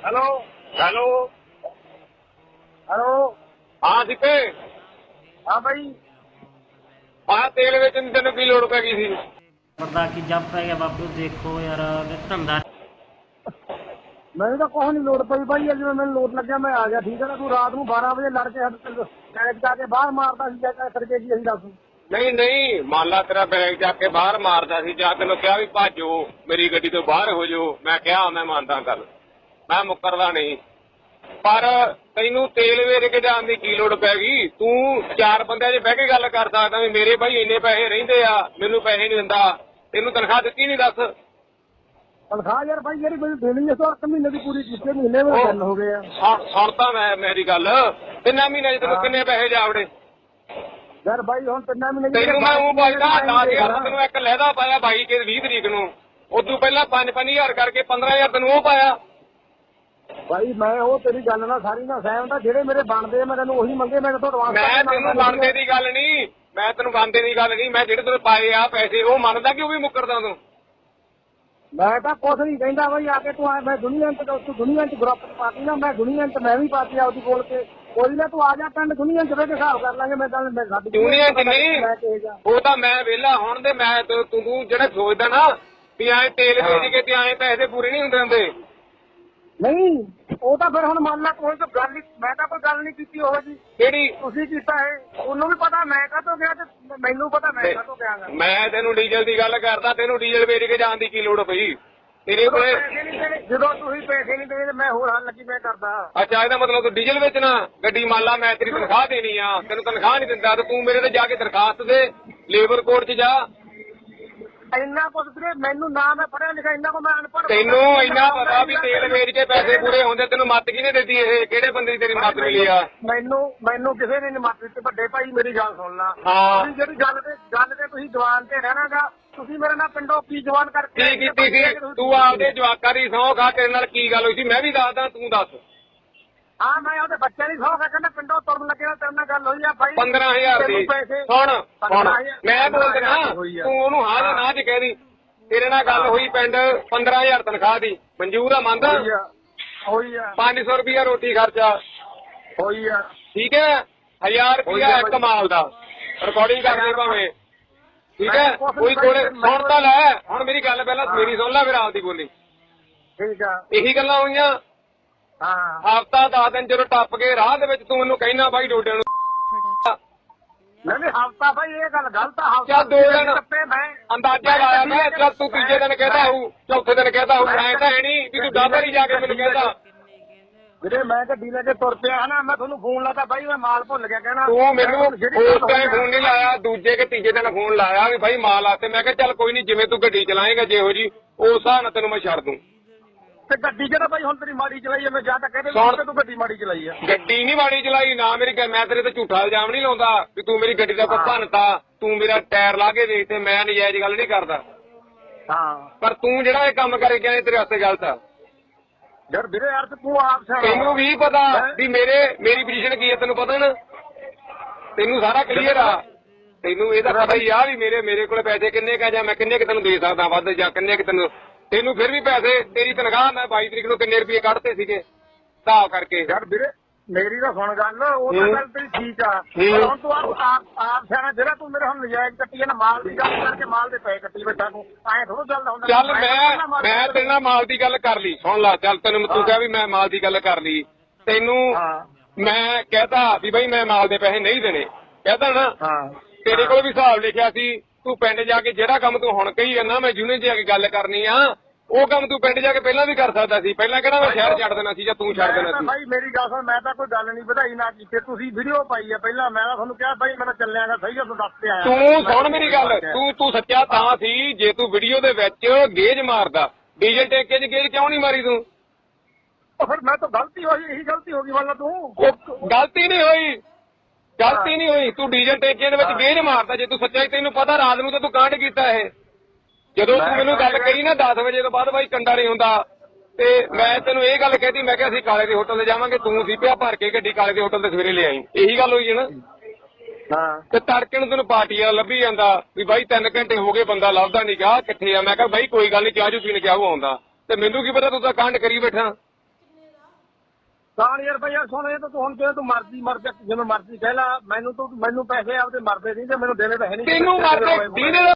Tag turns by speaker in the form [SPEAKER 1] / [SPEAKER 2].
[SPEAKER 1] Hello hello
[SPEAKER 2] hello.
[SPEAKER 1] ਹਾਂ ਸਿੱਕੇ
[SPEAKER 2] ਹਾਂ ਬਾਈ।
[SPEAKER 1] ਆਹ ਤੇਲ ਵੇਚਣ ਦੀ ਤੈਨੂੰ ਕੀ ਲੋੜ ਪੈ ਗਈ ਸੀ?
[SPEAKER 3] ਪਤਾ ਕੀ ਜੱਬ ਪੈ ਗਿਆ ਬਾਪੂ, ਦੇਖੋ ਯਾਰ ਧੰਦਾ।
[SPEAKER 2] ਮੈਨੂੰ ਤਾਂ ਕੁਛ ਨਹੀਂ ਲੋੜ ਪਈ ਬਾਈ, ਜਦੋਂ ਮੈਨੂੰ ਲੋੜ ਲੱਗਿਆ ਮੈਂ ਆ ਗਿਆ। ਠੀਕ ਹੈ ਨਾ, ਤੂੰ ਰਾਤ ਨੂੰ 12 ਵਜੇ ਲੜ ਕੇ ਕੈਦ ਜਾ ਕੇ ਬਾਹਰ ਮਾਰਦਾ ਸੀ, ਕਰਕੇ ਕੀ ਅਸੀਂ ਦੱਸ।
[SPEAKER 1] ਨਹੀਂ ਨਹੀਂ, ਮੰਨ ਲਾ ਤੇਰਾ ਬੈਗ ਜਾ ਕੇ ਬਾਹਰ ਮਾਰਦਾ ਸੀ, ਜਾਂ ਤੈਨੂੰ ਕਿਹਾ ਵੀ ਭਾਜੋ ਮੇਰੀ ਗੱਡੀ ਤੋਂ ਬਾਹਰ ਹੋ ਜਾਓ, ਮੈਂ ਕਿਹਾ ਮੈਂ ਮੰਨਦਾ ਗੱਲ, ਮੈਂ ਮੁੱਕਰਦਾ ਨਹੀਂ। ਪਰ ਤੈਨੂੰ ਤੇਲ ਵੇਚ ਕੇ ਜਾਣ ਦੀ ਕੀ ਲੋੜ ਪੈ ਗਈ? ਤੂੰ ਚਾਰ ਬੰਦਿਆਂ 'ਚ ਬਹਿ ਕੇ ਗੱਲ ਕਰ ਸਕਦਾ ਵੀ ਮੇਰੇ ਭਾਈ ਇੰਨੇ ਪੈਸੇ ਰਹਿੰਦੇ ਆ, ਮੈਨੂੰ ਪੈਸੇ ਨਹੀਂ ਦਿੰਦਾ। ਤੈਨੂੰ ਤਨਖਾਹ ਦਿੱਤੀ ਨਹੀਂ ਦੱਸ?
[SPEAKER 2] ਤਨਖਾਹ ਯਾਰ ਬਾਈ ਜਿਹੜੀ ਮੈਨੂੰ ਦੇਣੀ ਹੈ ਸੋ 8 ਮਹੀਨੇ ਦੀ ਪੂਰੀ ਕੀਤੇ, ਮਹੀਨੇ ਵਿੱਚ ਗੱਲ ਹੋ ਗਏ ਆ।
[SPEAKER 1] ਸੁਣ ਤਾਂ ਮੈਂ ਮੇਰੀ ਗੱਲ, 3 ਮਹੀਨੇ 'ਚ ਤੈਨੂੰ ਕਿੰਨੇ ਪੈਸੇ ਜਾਵੜੇ?
[SPEAKER 2] ਯਾਰ ਬਾਈ ਹੁਣ 3 ਮਹੀਨੇ
[SPEAKER 1] ਤੈਨੂੰ ਮੈਂ ਉਹ ਪਾਇਆ 10,000 ਤੈਨੂੰ ਇੱਕ ਲਹਿਦਾ ਪਾਇਆ 22 ਤਰੀਕ ਨੂੰ, ਉਦੋਂ ਪਹਿਲਾਂ 5,000 ਕਰਕੇ 15,000 ਤੈਨੂੰ ਉਹ ਪਾਇਆ।
[SPEAKER 2] ਬਾਈ ਮੈਂ ਉਹ ਤੇਰੀ ਗੱਲ ਨਾਲ ਸਾਰੀ ਨਾ ਸਹਿਮਤ ਆ, ਜਿਹੜੇ ਮੇਰੇ ਬਣਦੇ ਮੈਂ ਤੈਨੂੰ ਉਹੀ ਮੰਗੇ। ਮੈਂ ਤੋਂ ਐਡਵਾਂਸ
[SPEAKER 1] ਮੈਂ ਤੈਨੂੰ ਬਣਦੇ ਦੀ ਗੱਲ ਨਹੀਂ, ਮੈਂ ਤੈਨੂੰ ਬਣਦੇ ਦੀ ਗੱਲ ਨਹੀਂ, ਮੈਂ ਜਿਹੜੇ ਤੈਨੂੰ ਪਾਏ ਆ ਪੈਸੇ ਉਹ ਮੰਨਦਾ ਕਿ ਉਹ ਵੀ ਮੁੱਕਰਦਾ ਤੂੰ?
[SPEAKER 2] ਮੈਂ ਤਾਂ ਕੁਛ ਨਹੀਂ ਕਹਿੰਦਾ ਬਾਈ, ਆ ਕੇ ਤੂੰ ਮੈਂ ਦੁਨੀਆ ਚ ਦੁਨੀਆ ਚ ਗਰੁੱਪ ਪਾਤੀ ਨਾ, ਮੈਂ ਦੁਨੀਆ ਚ ਮੈਂ ਵੀ ਪਾਤੀ ਆਪਦੀ ਕੋਲ ਕੇ। ਕੋਈ ਨਾ ਤੂੰ ਆ ਜਾ ਪਿੰਡ ਦੁਨੀਆ ਚ ਬਹਿ ਕੇ ਹਿਸਾਬ ਕਰ ਲਾਂਗੇ। ਮੈਂ ਤਾਂ ਸਾਡੀ
[SPEAKER 1] ਦੁਨੀਆ ਚ ਨਹੀਂ, ਉਹ ਤਾਂ ਮੈਂ ਵਿਹਲਾ ਹੁਣ ਤੇ ਮੈਂ ਤੂੰ ਜਿਹੜਾ ਸੋਚਦਾ ਨਾ ਵੀ ਐਂ ਤੇਲ ਵੇਚ ਕੇ ਤੇ ਐਂ ਪੈਸੇ ਪੂਰੇ ਨਹੀਂ ਹੁੰਦੇ ਹੁੰਦੇ।
[SPEAKER 2] ਨਹੀਂ ਉਹ ਤਾਂ ਫਿਰ ਹੁਣ ਮੰਨ ਲਾ ਕੋਈ ਤਾਂ ਗੱਲ ਨਹੀਂ, ਮੈਂ ਤਾਂ ਕੋਈ ਗੱਲ ਨਹੀਂ ਕੀਤੀ ਉਹ ਜੀ
[SPEAKER 1] ਕਿਹੜੀ
[SPEAKER 2] ਤੁਸੀਂ ਕੀਤਾ ਹੈ, ਉਹਨੂੰ ਵੀ ਪਤਾ ਮੈਂ ਕਾਹਤੋਂ ਗਿਆ ਤੇ ਮੈਨੂੰ ਪਤਾ ਮੈਂ ਕਾਹਤੋਂ ਗਿਆ।
[SPEAKER 1] ਮੈਂ ਤੈਨੂੰ ਡੀਜ਼ਲ ਦੀ ਗੱਲ ਕਰਦਾ, ਤੈਨੂੰ ਡੀਜ਼ਲ ਵੇਚ ਕੇ ਜਾਣ ਦੀ ਕੀ ਲੋੜ ਪਈ ਤੇਰੇ ਕੋਲੇ?
[SPEAKER 2] ਜਦੋਂ ਤੁਸੀਂ ਪੈਸੇ ਨਹੀਂ ਦੇਣੇ ਮੈਂ ਹੋਰ ਹੱਲ ਕੀ ਮੈਂ ਕਰਦਾ।
[SPEAKER 1] ਅੱਛਾ ਇਹਦਾ ਮਤਲਬ ਤੂੰ ਡੀਜ਼ਲ ਵੇਚਣਾ? ਗੱਡੀ ਮੰਨ ਲਾ ਮੈਂ ਤੇਰੀ ਤਨਖਾਹ ਦੇਣੀ ਆ, ਤੈਨੂੰ ਤਨਖਾਹ ਨਹੀਂ ਦਿੰਦਾ ਤੇ ਤੂੰ ਮੇਰੇ ਤੇ ਜਾ ਕੇ ਦਰਖਾਸਤ ਦੇ ਲੇਬਰ ਕੋਰਟ 'ਚ ਜਾ।
[SPEAKER 2] ਇੰਨਾ ਕੁਝ ਵੀਰੇ ਮੈਨੂੰ ਨਾ ਮੈਂ ਪੜਿਆ ਲਿਖਿਆ, ਇੰਨਾ ਕੋ ਮੈਂ ਅਨਪੜ੍ਹ।
[SPEAKER 1] ਤੈਨੂੰ ਇੰਨਾ ਪਤਾ ਵੀ ਤੇਲ ਵੇਚ ਕੇ ਪੈਸੇ ਪੂਰੇ ਹੁੰਦੇ, ਤੈਨੂੰ ਮੱਤ ਕਿਹਨੇ ਦਿੱਤੀ? ਇਹ ਕਿਹੜੇ ਬੰਦੇ ਦੀ ਤੇਰੀ ਮੱਤ ਮਿਲੀ ਆ?
[SPEAKER 2] ਮੈਨੂੰ ਕਿਸੇ ਨੇ ਨਹੀਂ ਮੱਤ ਦਿੱਤੀ। ਵੱਡੇ ਭਾਈ ਮੇਰੀ ਗੱਲ ਸੁਣ ਲਾ,
[SPEAKER 1] ਹਾਂ
[SPEAKER 2] ਤੁਸੀਂ ਜਿਹੜੀ ਗੱਲ ਤੇ ਤੁਸੀਂ ਜਵਾਨ ਤੇ ਰਹਿਣਾਗਾ, ਤੁਸੀਂ ਮੇਰੇ ਨਾਲ ਪਿੰਡੋਂ ਕੀ ਜਵਾਨ ਕਰਕੇ
[SPEAKER 1] ਕੀ ਕੀਤੀ ਸੀ ਤੂੰ? ਆਪਦੇ ਜਵਾਕਾਂ ਦੀ ਸਹੁੰ ਖਾ, ਤੇਰੇ ਨਾਲ ਕੀ ਗੱਲ ਹੋਈ ਸੀ? ਮੈਂ ਵੀ ਦੱਸਦਾ, ਤੂੰ ਦੱਸ।
[SPEAKER 2] ਹਾਂ ਮੈਂ ਉਹਦੇ ਬੱਚੇ ਦੀ ਸਹੁੰ ਖਾ ਕਹਿੰਦਾ ਪਿੰਡੋਂ ਤੁਰਨ ਲੱਗਿਆ, ਤੇਰੇ ਨਾਲ ਗੱਲ ਹੋਈ ਆ ਭਾਈ
[SPEAKER 1] 15,000 ਦੀ। ਸੁਣ ਮੈਂ ਬੋਲਦਾ ਨਾ, ਤੂੰ ਉਹਨੂੰ ਹਾਂ ਜਾਂ ਨਾ ਚ ਕਹਿ ਦੀ। ਤੇਰੇ ਨਾਲ ਗੱਲ ਹੋਈ ਪਿੰਡ 15,000 ਤਨਖਾਹ ਦੀ, ਮਨਜ਼ੂਰ ਆ? ਮੰਨਦਾ?
[SPEAKER 2] ਹੋਈ ਆ।
[SPEAKER 1] 500 ਰੁਪਇਆ ਰੋਟੀ ਖਰਚਾ
[SPEAKER 2] ਹੋਈ ਆ। ਠੀਕ
[SPEAKER 1] ਹੈ, 1000 ਰੁਪਇਆ ਇੱਕ ਮਾਲ ਦਾ, ਰਿਕਾਰਡਿੰਗ ਕਰਦੇ ਭਾਵੇਂ। ਠੀਕ ਹੈ, ਕੋਈ ਕੋਲੇ ਸੁਣ ਤਾਂ ਲੈ। ਹੁਣ ਮੇਰੀ ਗੱਲ ਪਹਿਲਾਂ ਮੇਰੀ ਸੁਣ ਲੈ, ਫਿਰ ਆਪਦੀ ਬੋਲੀ।
[SPEAKER 2] ਠੀਕ ਆ।
[SPEAKER 1] ਇਹੀ ਗੱਲਾਂ ਹੋਈਆਂ।
[SPEAKER 2] ਹਾਂ
[SPEAKER 1] ਹਫ਼ਤਾ 10 ਦਿਨ ਜਦੋਂ ਟੱਪ ਕੇ ਰਾਹ ਦੇ ਵਿੱਚ ਤੂੰ ਮੈਨੂੰ ਕਹਿਣਾ ਬਾਈ ਡੋਡਿਆਂ ਨੂੰ
[SPEAKER 2] ਨਹੀਂ ਹਫ਼ਤਾ ਭਾਈ ਇਹ ਗੱਲ ਗਲਤ ਆ।
[SPEAKER 1] ਚੱਲ 2 ਦਿਨ ਅੰਦਾਜ਼ਾ ਲਾਇਆ ਮੈਂ, ਚੱਲ ਤੂੰ ਤੀਜੇ ਦਿਨ ਕਹਿੰਦਾ ਹੋਊ, ਚੌਥੇ ਦਿਨ ਕਹਿੰਦਾ ਹੋਊ। ਐਂ ਤਾਂ ਹੈ ਨਹੀਂ ਵੀ ਤੂੰ ਡਾਬਰ ਹੀ ਜਾ ਕੇ ਮੈਨੂੰ ਕਹਿੰਦਾ।
[SPEAKER 2] ਵੀਰੇ ਮੈਂ ਗੱਡੀ ਲੈ ਕੇ ਤੁਰ ਪਿਆ ਹਨਾ, ਮੈਂ ਤੁਹਾਨੂੰ ਫੋਨ ਲਾਤਾ ਬਾਈ ਮੈਂ ਮਾਲ ਭੁੱਲ ਗਿਆ ਕਹਿਣਾ।
[SPEAKER 1] ਤੂੰ ਮੈਨੂੰ ਉਸ ਟਾਈਮ ਫੋਨ ਨਹੀਂ ਲਾਇਆ, ਦੂਜੇ ਕਿ ਤੀਜੇ ਦਿਨ ਫੋਨ ਲਾਇਆ ਵੀ ਬਾਈ ਮਾਲ ਆਤੇ। ਮੈਂ ਕਿਹਾ ਚੱਲ ਕੋਈ ਨਹੀਂ, ਜਿਵੇਂ ਤੂੰ ਗੱਡੀ ਚਲਾਏਗਾ ਜਿਹੋ ਜੀ ਉਸ ਹਿਸਾਬ ਨਾਲ ਤੈਨੂੰ ਮੈਂ ਛੱਡ ਦੂੰ।
[SPEAKER 2] ਤੇ ਗੱਡੀ ਜਿਹੜਾ ਬਾਈ ਹੁਣ ਤੇਰੀ ਮਾੜੀ ਚਲਾਈ ਐ, ਮੈਂ ਜਾਂ ਤਾਂ ਕਹਿੰਦੇ ਤੂੰ ਗੱਡੀ ਮਾੜੀ ਚਲਾਈ ਆ।
[SPEAKER 1] ਗੱਡੀ ਨਹੀਂ ਮਾੜੀ ਚਲਾਈ ਨਾ ਮੇਰੀ, ਮੈਂ ਤੇਰੇ ਤੇ ਝੂਠਾ ਇਲਜ਼ਾਮ ਨਹੀਂ ਲਾਉਂਦਾ ਵੀ ਤੂੰ ਮੇਰੀ ਗੱਡੀ ਦਾ ਕੋਈ ਭੰਨਤਾ, ਤੂੰ ਮੇਰਾ ਟਾਇਰ ਲਾ ਕੇ ਦੇਖ, ਤੇ ਮੈਂ ਨਜਾਇਜ਼ ਗੱਲ ਨਹੀਂ ਕਰਦਾ।
[SPEAKER 2] ਹਾਂ
[SPEAKER 1] ਪਰ ਤੂੰ ਜਿਹੜਾ ਇਹ ਕੰਮ ਕਰੇ ਗਿਆ ਤੇਰੇ ਵਾਸਤੇ ਗਲਤ ਆ
[SPEAKER 2] ਯਾਰ। ਵੀਰੇ ਯਾਰ ਤੂੰ ਆਪ
[SPEAKER 1] ਤੈਨੂੰ ਵੀ ਪਤਾ ਵੀ ਮੇਰੀ ਪੋਜੀਸ਼ਨ ਕੀ ਹੈ, ਤੈਨੂੰ ਪਤਾ ਨਾ? ਤੈਨੂੰ ਸਾਰਾ ਕਲੀਅਰ ਆ, ਤੈਨੂੰ ਇਹ ਤਾਂ ਪਤਾ ਹੀ ਆ ਵੀ ਮੇਰੇ ਕੋਲ ਪੈਸੇ ਕਿੰਨੇ ਕਾ, ਜਾਂ ਮੈਂ ਕਿੰਨੇ ਕਿ ਤੈਨੂੰ ਦੇ ਸਕਦਾ ਵੱਧ, ਜਾਂ ਕਿੰਨੇ ਕਿ ਤੈਨੂੰ ਫਿਰ ਵੀ ਪੈਸੇ ਤੇਰੀ ਤਨਖਾਹ ਮੈਂ 22 ਤਰੀਕ ਨੂੰ ਕਿੰਨੇ ਰੁਪਏ ਕੱਢਤੇ ਸੀਗੇ ਹਿਸਾਬ ਕਰਕੇ।
[SPEAKER 2] ਯਾਰ ਵੀਰੇ ਮੇਰੀ ਤਾਂ ਸੁਣ ਗੱਲ, ਉਹ ਤਾਂ ਗੱਲ ਤੇਰੀ ਠੀਕ ਆ। ਹੁਣ ਤੂੰ ਆਪ ਸਿਆਣਾ, ਜਿਹੜਾ ਤੂੰ ਮੇਰੇ ਹੁਣ ਨਜਾਇਜ਼ ਕੱਟੀ ਨਾ ਮਾਲ ਦੀ ਗੱਲ ਕਰਕੇ ਮਾਲ ਦੇ ਪੈਸੇ ਕੱਟੀ ਬੈਠਾ ਤੂੰ, ਐਂ ਥੋੜਾ ਚੱਲਦਾ ਹੁੰਦਾ।
[SPEAKER 1] ਚੱਲ ਮੈਂ ਤੇਰੇ ਨਾਲ ਮਾਲ ਦੀ ਗੱਲ ਕਰ ਲਈ, ਸੁਣ ਲਾ। ਚੱਲ ਤੈਨੂੰ ਤੂੰ ਕਿਹਾ ਵੀ ਮੈਂ ਮਾਲ ਦੀ ਗੱਲ ਕਰ ਲਈ, ਤੈਨੂੰ ਮੈਂ ਕਹਿਤਾ ਵੀ ਬਾਈ ਮੈਂ ਮਾਲ ਦੇ ਪੈਸੇ ਨਹੀਂ ਦੇਣੇ, ਕਹਿਤਾ ਨਾ? ਤੇਰੇ ਕੋਲ ਵੀ ਹਿਸਾਬ ਲਿਖਿਆ ਸੀ। ਤੂੰ ਪਿੰਡ ਜਾ ਕੇ ਜਿਹੜਾ ਕੰਮ ਤੂੰ ਹੁਣ ਕਹੀ ਜਾਂਦਾ ਮੈਂ ਯੂਨੀਅਨ 'ਚ ਜਾ ਕੇ ਗੱਲ ਕਰਨੀ ਆ, ਉਹ ਕੰਮ ਤੂੰ ਪਿੰਡ ਜਾ ਕੇ ਪਹਿਲਾਂ ਵੀ ਕਰ ਸਕਦਾ ਸੀ। ਪਹਿਲਾਂ ਕਿਹੜਾ ਮੈਂ ਸ਼ਹਿਰ ਛੱਡ ਦੇਣਾ ਸੀ ਜਾਂ ਤੂੰ ਛੱਡ ਦੇਣਾ ਸੀ?
[SPEAKER 2] ਭਾਈ ਮੇਰੀ ਗੱਲ ਸੁਣ, ਮੈਂ ਤਾਂ ਕੋਈ ਗੱਲ ਨਹੀਂ ਵਧਾਈ ਨਾ ਕੀਤੀ, ਤੁਸੀਂ ਵੀਡੀਓ ਪਾਈ ਆ ਪਹਿਲਾਂ। ਮੈਂ ਤਾਂ ਤੁਹਾਨੂੰ ਕਿਹਾ ਭਾਈ ਮੈਂ ਤਾਂ ਚੱਲਿਆਗਾ, ਸਹੀ ਆ, ਤੂੰ ਦੱਸ ਕੇ ਆਇਆ।
[SPEAKER 1] ਤੂੰ ਸੁਣ ਮੇਰੀ ਗੱਲ, ਤੂੰ ਸੱਚਾ ਤਾਂ ਸੀ ਜੇ ਤੂੰ ਵੀਡੀਓ ਦੇ ਵਿੱਚ ਗੇਜ ਮਾਰਦਾ। ਡੀਜ਼ਲ ਟੈਂਕੇ 'ਚ ਗੇਜ ਕਿਉਂ ਨਹੀਂ ਮਾਰੀ ਤੂੰ?
[SPEAKER 2] ਫਿਰ ਮੈਂ ਤਾਂ ਗਲਤੀ ਹੋਈ, ਇਹੀ ਗਲਤੀ ਹੋ ਗਈ ਵਾਲਾ ਤੂੰ।
[SPEAKER 1] ਗਲਤੀ ਨਹੀਂ ਹੋਈ, ਗਲਤੀ ਨਹੀਂ ਹੋਈ। ਤੂੰ ਡੀਜ਼ਲ ਟੈਂਕੇ ਦੇ ਵਿੱਚ ਗੇਜ ਮਾਰਦਾ। ਜੇ ਤੂੰ ਸੱਚਾ ਹੀ, ਤੈਨੂੰ ਪਤਾ ਰਾਤ ਨੂੰ ਤਾਂ ਤੂੰ ਕਾਂਡ ਕੀਤਾ ਇਹ। ਜਦੋਂ ਤੂੰ ਮੈਨੂੰ ਗੱਲ ਕਹੀ ਨਾ 10 ਵਜੇ ਤੋਂ ਬਾਅਦ ਬਾਈ ਕੰਡਾ ਨਹੀਂ ਹੁੰਦਾ, ਤੇ ਮੈਂ ਤੈਨੂੰ ਇਹ ਗੱਲ ਕਹਿਤੀ, ਮੈਂ ਕਿਹਾ ਅਸੀਂ ਕਾਲੇ ਦੇ ਹੋਟਲ ਤੇ ਜਾਵਾਂਗੇ, ਤੂੰ ਸੀ ਪਿਆ ਭਰ ਕੇ ਗੱਡੀ ਕਾਲੇ ਦੇ ਹੋਟਲ ਤੇ ਸਵੇਰੇ ਲੈ ਆਈ। ਇਹੀ ਗੱਲ ਹੋਈ ਹੈ ਨਾ? ਤੇ ਤੜਕੇ ਨੂੰ ਤੈਨੂੰ ਪਾਰਟੀ ਵਾਲਾ ਲੱਭੀ ਜਾਂਦਾ ਵੀ ਬਾਈ 3 ਘੰਟੇ ਹੋ ਗਏ ਬੰਦਾ ਲੱਭਦਾ ਨਹੀਂ, ਕਿਹਾ ਕਿੱਥੇ ਆ? ਮੈਂ ਕਿਹਾ ਬਾਈ ਕੋਈ ਗੱਲ ਨਹੀਂ, ਚਾਹ ਜੂ ਪੀਣ ਕਿਹਾ ਉਹ ਆਉਂਦਾ। ਤੇ ਮੈਨੂੰ ਕੀ ਪਤਾ ਤੂੰ ਤਾਂ ਕਾਂਡ ਕਰੀ ਬੈਠਾ।
[SPEAKER 2] 10,000 ਰੁਪਇਆ ਸੁਣ, ਇਹ ਤਾਂ ਤੂੰ ਹੁਣ ਜੇ ਤੂੰ ਮਰਜ਼ੀ ਮਰ ਜਾ, ਜਿਵੇਂ ਮਰਜ਼ੀ ਕਹਿ ਲਾ, ਮੈਨੂੰ ਪੈਸੇ ਆਪਦੇ ਮਰਦੇ ਨਹੀਂ ਤੇ ਮੈਨੂੰ ਦੇਣੇ ਤਾਂ ਹੈ ਨਹੀਂ।
[SPEAKER 1] ਤੈਨੂੰ ਮਰਦੇ ਦੀਨੇ